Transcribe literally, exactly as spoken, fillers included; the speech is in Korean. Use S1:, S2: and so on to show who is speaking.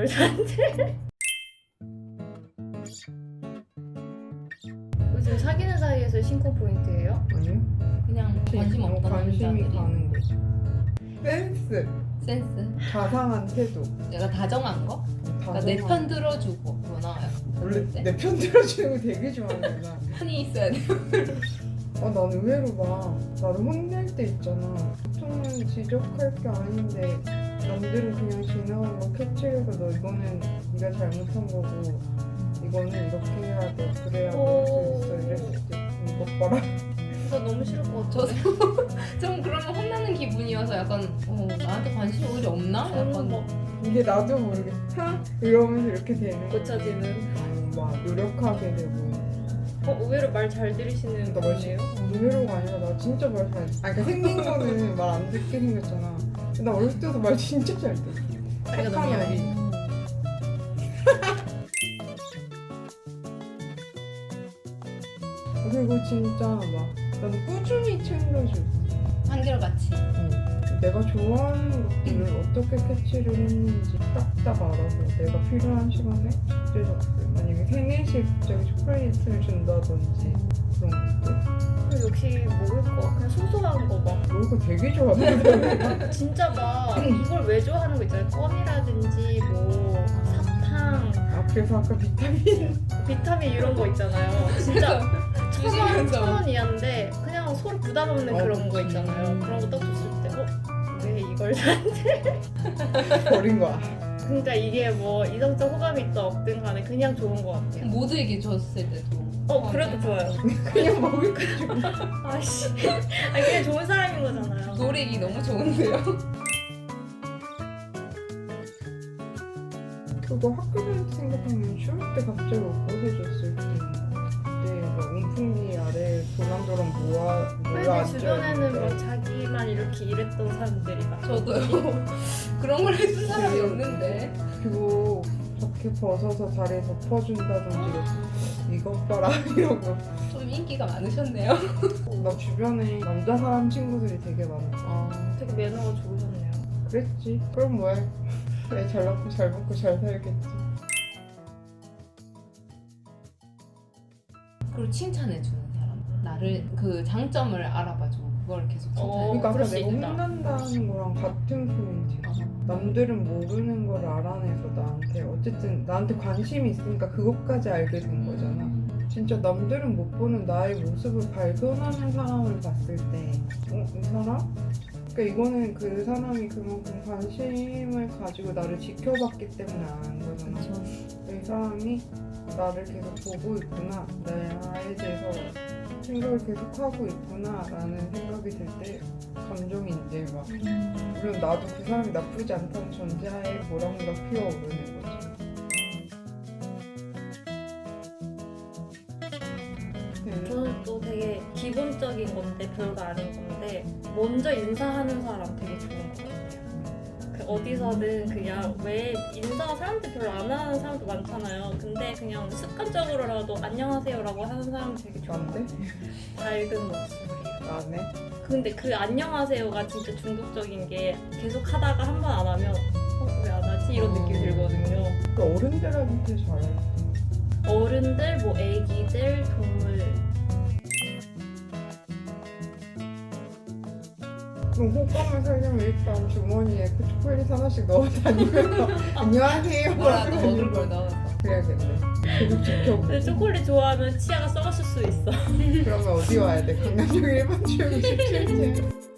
S1: 이걸 사는데? 요즘 사귀는 사이에서 신고 포인트예요?
S2: 아니요?
S3: 그냥 관심
S2: 너무
S3: 없다는
S2: 관심이
S3: 남자들이.
S2: 가는 거지. 센스,
S3: 센스?
S2: 자상한 태도.
S3: 내가 다정한 거? 그러니까 내 편 들어주고 그거 나와요.
S2: 원래
S3: 네?
S2: 내 편 들어주는 거 되게 좋아하는 나.
S3: 편이 있어야 돼.
S2: 아, 난 의외로 막 나를 혼낼 때 있잖아. 보통은 지적할 게 아닌데 남들은 그냥 지나간 거 캐치해서 너 이거는 네가 잘못한 거고 이거는 이렇게 해야 돼 그래야 할 수 있어 이랬을 때 이것 봐라.
S1: 저 너무 싫을 것 같아.
S3: 저도 좀 그러면 혼나는 기분이어서 약간 어, 나한테 관심이 오히려 없나?
S1: 저는
S3: 약간
S1: 막
S2: 이게 나도 모르게 하 이러면서 이렇게 되는 거.
S1: 고쳐지는.
S2: 어, 막 노력하게 되고.
S1: 어, 의외로 말 잘 들으시는
S2: 나 말
S1: 분이에요?
S2: 의외로가 아니라 나 진짜 말 잘. 아 그러니까 생긴 거는 말 안 듣게 생겼잖아. 근데 나 어렸을 때도 말 진짜 잘 듣.
S1: 다리가 너무
S2: 착한
S1: 얇아.
S2: 어리. 그리고 진짜 막 나도 꾸준히 챙겨줘.
S3: 한결같이.
S2: 내가 좋아하는 것들을 어떻게 캐치를 했는지 딱딱 알아서 내가 필요한 시간에 적재적소에 만약에 생일식 갑자기 초콜릿을 준다든지 그런 것들
S1: 그 역시 먹을 거 그냥 소소한 거 막
S2: 먹을 거 되게 좋아하거든.
S1: 진짜 막 이걸 왜 좋아하는 거 있잖아요. 껌이라든지 뭐 사탕,
S2: 아 그래서 아까 비타민
S1: 비타민 이런 거 있잖아요. 진짜 천 원,
S3: 주시면서.
S1: 천 원 이하인데 그냥 서로 부담 없는
S2: 어,
S1: 그런 거
S2: 그치.
S1: 있잖아요. 그런 거 딱 줬을 때 어? 왜 이걸 샀는데?
S2: 버린 거야.
S1: 그러니까 이게 뭐 이성적 호감이 있든 없든 간에 그냥 좋은 거 같아요.
S3: 모두에게 줬을 때도.
S1: 어 그래도 좋아요.
S2: 그냥 먹을 거 줘.
S1: 아씨, 아니 그냥 좋은 사람인 거잖아요.
S3: 노력이 너무 좋은데요.
S2: 그거 학교 다닐 때 생각하면 추울 때 갑자기 옷 벗어줬을 때 그때 막 온풍기 아래 도랑도랑 모아
S1: 근데
S2: 모여
S1: 주변에는 뭐
S2: 앉아있는데
S1: 자기만 이렇게 일했던 사람들이 많아.
S3: 저도요. 그런 걸 해준 사람이 없는데.
S2: 그리고 자켓 벗어서 다리에 덮어준다든지 이것 봐라 이러고.
S3: 좀 인기가 많으셨네요.
S2: 나 주변에 남자 사람 친구들이 되게 많아.
S3: 어.
S1: 되게 매너가 좋으셨네요.
S2: 그랬지. 그럼 뭐해. 애 잘 낳고 잘 먹고 잘 살겠지.
S3: 그리고 칭찬해주는 사람. 나를 그 장점을 알아봐주고 그걸 계속 칭찬해.
S1: 어,
S2: 그러니까 아까
S1: 그럴 수
S2: 내가
S1: 있겠다.
S2: 혼난다는 거랑 같은 포인트야. 남들은 모르는 걸 알아내서 나한테 어쨌든 나한테 관심이 있으니까 그것까지 알게 된 거잖아. 진짜 남들은 못 보는 나의 모습을 발견하는 사람을 봤을 때 어? 이 사람? 그러니까 이거는 그 사람이 그만큼 관심을 가지고 나를 지켜봤기 때문에 아는 거잖아.
S3: 그렇죠.
S2: 이 사람이 나를 계속 보고 있구나, 나에 대해서 생각을 계속 하고 있구나 라는 생각이 들 때 감정이 이제 막 물론 나도 그 사람이 나쁘지 않다는 전제하에 모락모락 피어오르는 거지. 네.
S1: 저는 또 되게 기본적인 건데 별거 아닌 건데 먼저 인사하는 사람 되게 좋은 것 같아요. 그 어디서든 그냥 왜 인사 사람들 별로 안 하는 사람도 많잖아요. 근데 그냥 습관적으로라도 안녕하세요라고 하는 사람 되게 좋은 것
S2: 난데?
S1: 같아요. 밝은 목소리.
S2: 나네?
S1: 근데 그 안녕하세요가 진짜 중독적인 게 계속 하다가 한 번 안 하면 어, 왜 안 하지? 이런 느낌이 들거든요.
S2: 그 어른들한테 잘해.
S1: 어른들, 뭐 애기들, 동물.
S2: 그럼 호감을 살려면 일단 주머니에 그 초콜릿 하나씩 넣어 다니면서 안녕하세요
S3: 뭐라도
S2: 하고
S3: 먹을 걸 넣어서.
S2: 그래야겠네. 계속 지켜보고.
S1: 근데 초콜릿 좋아하면 치아가 썩었을 수 있어.
S2: 그러면 어디 와야 돼? 강남역 일 번 출구 십칠 층.